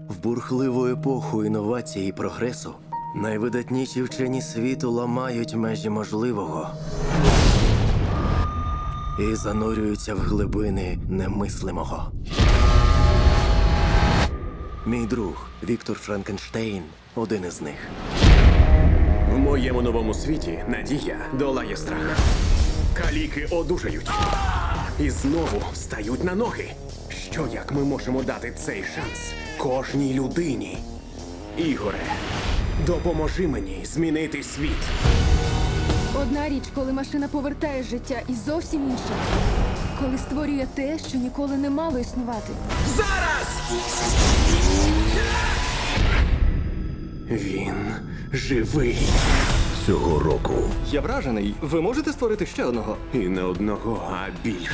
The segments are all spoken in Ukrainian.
В бурхливу епоху інновацій і прогресу найвидатніші вчені світу ламають межі можливого і занурюються в глибини немислимого. Мій друг Віктор Франкенштейн – один із них. В моєму новому світі надія долає страх. Каліки одужають. І знову стають на ноги. Що як ми можемо дати цей шанс кожній людині? Ігоре, допоможи мені змінити світ. Одна річ, коли машина повертає життя, і зовсім інша, коли створює те, що ніколи не мало існувати. Зараз! Він живий. Цього року Я вражений. Ви можете створити ще одного? І не одного, а більше.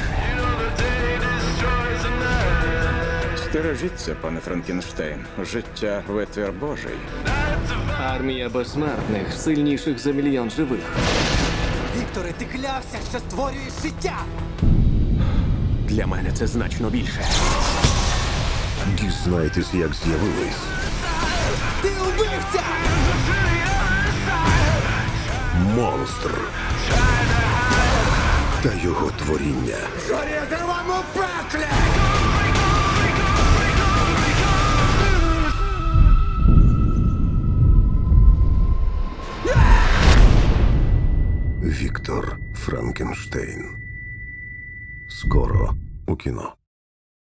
Стережіться, пане Франкенштейн. Життя витвір Божий. Армія безсмертних, сильніших за мільйон живих. Вікторе, ти клявся, що створюєш життя! Для мене це значно більше. дізнайтесь, як з'явились Ти убивця! монстр та його творіння. Горіти вам у пеклі! Віктор Франкенштейн. Скоро у кіно.